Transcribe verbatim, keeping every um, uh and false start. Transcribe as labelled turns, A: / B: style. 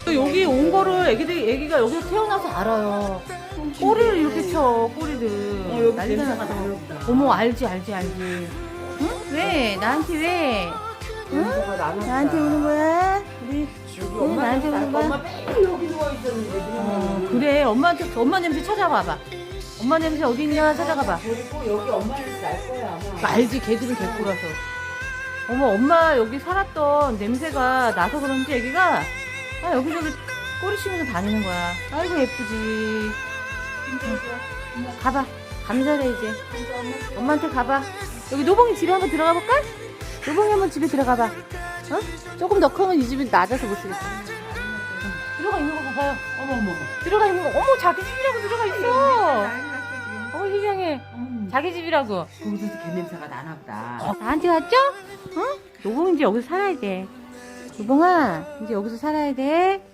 A: 여기 온 거를 애기들이, 애기가 여기서 태어나서 알아요. 꼬리를 이렇게 쳐, 꼬리를.
B: 어, 여기
A: 난리가
B: 냄새가
A: 났어.
B: 나는구나.
A: 어머, 알지, 알지, 알지. 응? 왜? 나한테 왜?
B: 냄새가 나는
A: 나한테 오는 거야? 우리,
B: 여기
A: 응,
B: 엄마
A: 나한테 오는 거야?
B: 엄마 맨날 여기 누워 있었는데
A: 어,
B: 그냥
A: 그래. 엄마한테, 엄마 냄새 찾아봐봐. 엄마 냄새 어디 있냐 찾아가봐.
B: 그리고 여기 엄마 냄새 날 거야 아마.
A: 알지, 걔들은 개꼬라서. 어머, 엄마 여기 살았던 냄새가 나서 그런지 애기가, 아, 여기저기 꼬리 치면서 다니는 거야. 아이고, 예쁘지. 가봐. 감사해, 이제. 엄마한테 가봐. 여기 노봉이 집에 한번 들어가 볼까? 노봉이 한번 집에 들어가봐. 어? 조금 더 크면 이 집이 낮아서 못 쓰겠어. 응. 들어가 있는 거 봐봐요.
B: 어머 어머.
A: 들어가 있는 거. 어머, 자기 집이라고 들어가 있어. 어머, 희경해.
B: 음.
A: 자기 집이라고.
B: 거기서 개 냄새가 나나 보다.
A: 나한테 왔죠? 응? 노봉이 이제 여기서 살아야 돼. 노봉아, 이제 여기서 살아야 돼.